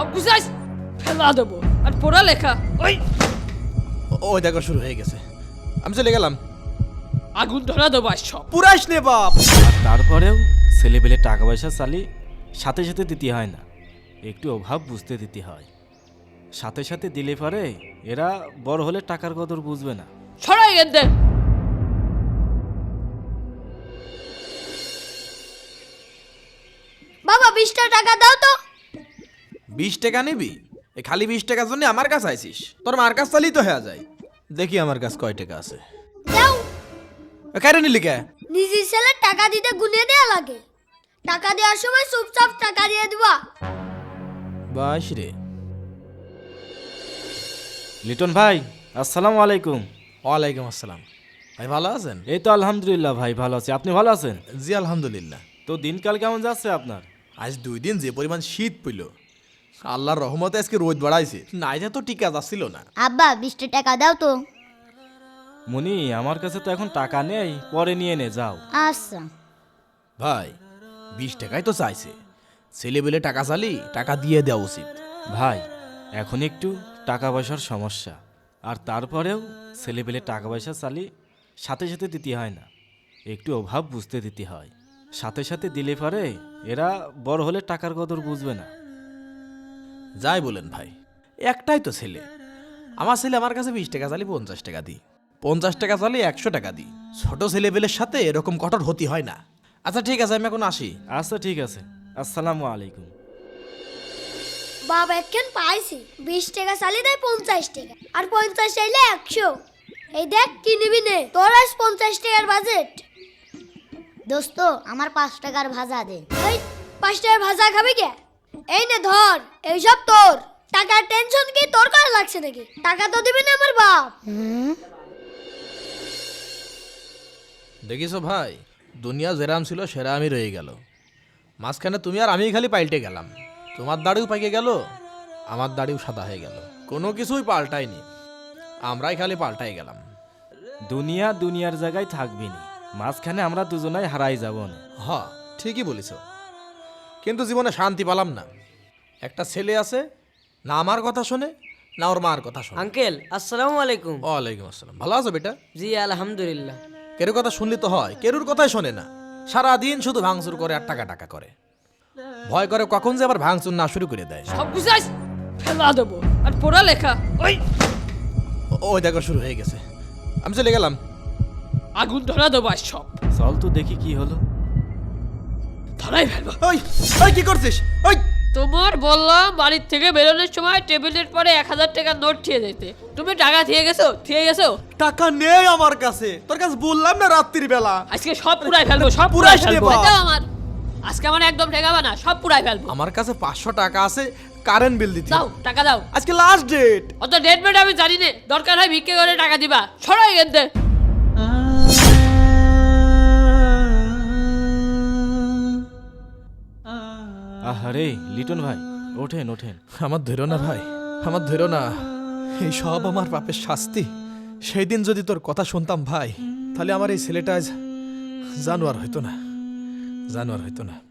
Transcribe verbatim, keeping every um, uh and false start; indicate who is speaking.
Speaker 1: বুঝাইস ফেলা দেবো আর পড়ালেখা ওই
Speaker 2: ওই দেখো শুরু হয়ে গেছে। আমি চলে গেলাম।
Speaker 1: আগুন ধরা দেবো আর সব।
Speaker 2: পুরাস নে বাপ।
Speaker 3: আর তারপরেও ছেলেবেলে টাকা পয়সা চালি সাথে সাথে দিতে হয় না, একটু অভাব বুঝতে দিতে হয়। সাথে সাথে দিলে পারে এরা বড় হলে টাকার কদর বুঝবে না।
Speaker 1: ছড়াই গেন্দে
Speaker 4: বাবা বিশটা টাকা দাও তো।
Speaker 2: বিশ টাকা নিবি? এ খালি বিশ টাকার জন্য আমার কাছে আইছিস? তোর মার কাছ চালিয়ে তো হয়ে যায়। দেখি আমার কাছে কয় টাকা আছে।
Speaker 4: দাও।
Speaker 2: কেন নিলি কে?
Speaker 4: নিজের ছেলে টাকা দিতে গুনে দেয়া লাগে, টাকা দেওয়ার সময় চুপচাপ টাকা দিয়ে দিবা।
Speaker 2: বাস রে।
Speaker 3: লিটন ভাই আসসালামু আলাইকুম।
Speaker 2: ওয়ালাইকুম আসসালাম। ভাই ভালো আছেন?
Speaker 3: এই তো আলহামদুলিল্লাহ ভাই ভালো আছি, আপনি ভালো আছেন?
Speaker 2: জি আলহামদুলিল্লাহ।
Speaker 3: তো দিনকাল কেমন যাচ্ছে আপনার?
Speaker 2: আজ দুই দিন যে পরিমাণ শীত পড়ল, আল্লাহর রহমতে আজকে রোদ বাড়াইছে, না এটা তো টিকা যাচ্ছিল না।
Speaker 4: আব্বা বিশটা টাকা দাও তো।
Speaker 3: মনি আমার কাছে তো এখন টাকা নেই, পরে নিয়ে নে যাও।
Speaker 4: আচ্ছা।
Speaker 2: ভাই বিশ টাকাই তো চাইছে, ছেলে বেলে টাকা চালি টাকা দিয়ে দেওয়া উচিত।
Speaker 3: ভাই এখন একটু টাকা পয়সার সমস্যা, আর তারপরেও ছেলেবেলে টাকা পয়সা চালি সাথে সাথে দিতে হয় না, একটু অভাব বুঝতে দিতে হয়। সাথে সাথে দিলে পারে এরা বড় হলে টাকার কদর বুঝবে না।
Speaker 2: যাই বলেন ভাই, একটাই তো ছেলে। আমার ছেলে আমার কাছে বিশ টাকা চালি পঞ্চাশ টাকা দিই, পঞ্চাশ টাকা চালি একশো টাকা দিই। ছোট ছেলেবেলের সাথে এরকম কঠোর হতে হয় না। আচ্ছা ঠিক আছে, আমি এখন আসি।
Speaker 3: আচ্ছা ঠিক আছে, আসসালামু আলাইকুম।
Speaker 4: বাবা এখন পাইছি বিশ টাকা চালি দেয় পঞ্চাশ টাকা, আর পঞ্চাশ চাইলে একশো। এই দেখ কি নিবি নে, তোর আজ পঞ্চাশ টাকার বাজেট।
Speaker 5: দোস্ত আমার পাঁচ টাকার ভাজা দে।
Speaker 4: এই পাঁচ টাকার ভাজা খাবি কে? এই নে ধর, এইসব তোর। টাকার টেনশন কি তোর করা লাগছে নাকি? টাকা তো দিবি না আমার বাপ।
Speaker 2: দেখিস ভাই, দুনিয়া যেরাম ছিল সেরা আমি রয়ে গেল। মাঝখানে তুমি আর আমি খালি পাল্টে গেলাম। তোমার দাড়িও পাইকে গেল, আমার দাড়িও সাদা হয়ে গেল। কোনো কিছুই পাল্টায়নি, আমরাই খালি পাল্টাই গেলাম।
Speaker 3: দুনিয়া দুনিয়ার জায়গায় থাকবি না, মাঝখানে আমরা দুজনাই হারাই যাব না।
Speaker 2: হ ঠিকই বলিস, কিন্তু জীবনে শান্তি পেলাম না। একটা ছেলে আছে, না আমার কথা শোনে না ওর মার কথা শোনে।
Speaker 6: আঙ্কেল আসসালামু আলাইকুম।
Speaker 2: ওয়ালাইকুম আসসালাম। ভালো আছো বেটা?
Speaker 6: জি আলহামদুলিল্লাহ।
Speaker 2: কেরুর কথা শুনলি তো হয়, কেরুর কথাই শোনে না। সারাদিন শুধু ভাঙচুর করে আর টাকা টাকা করে। ভয় করে কখন যে আবার ভাঙচুর না শুরু করে দেয়।
Speaker 1: সব বুঝাইস ফেলা দেবো আর পড়ালেখা ওই
Speaker 2: ওই দেখো শুরু হয়ে গেছে। আমি চলে গেলাম।
Speaker 1: আগুন ধরা দেবো আর সব।
Speaker 3: চল তো দেখি কি হলো।
Speaker 1: ধরাই ফেলবো।
Speaker 2: ওই ওই কি করছিস? ওই
Speaker 1: তোমার বললাম বাড়ির থেকে বেরোনোর সময় টেবিলের পরে এক হাজার টাকার নোট ঠিয়ে যেতে, তুমি টাকা থিয়ে গেছো থিয়ে গেছো।
Speaker 2: টাকা নেই আমার কাছে, তোর কাছে বললাম না রাত্রির বেলা।
Speaker 1: আজকে সব পুরাই ফেলবো, সব পুরাই
Speaker 2: পুরাইস নে
Speaker 1: ফেলবো।
Speaker 2: বাপ।
Speaker 1: এটা আমার আজকে আমার একদম ঠেকাবা না, সব পুরাই ফেলবো।
Speaker 2: আমার কাছে পাঁচশো টাকা আছে, কারেন্ট বিল দিতে।
Speaker 1: দাও টাকা দাও।
Speaker 2: আজকে লাস্ট ডেট।
Speaker 1: অত ডেট মেট আমি জানি না, দরকার হয় ভিক্ষে করে টাকা দিবা। ছড়াই গেন্দে
Speaker 3: আহারে লিটন ভাই, ওঠেন ওঠেন।
Speaker 2: আমার ধৈর্য না ভাই, আমার ধৈর্য না। এই সব আমার পাপের শাস্তি। সেই দিন যদি তোর কথা শুনতাম ভাই, তাহলে আমার এই ছেলেটা আজ জানোয়ার হইতো না, জানোয়ার হইতো না।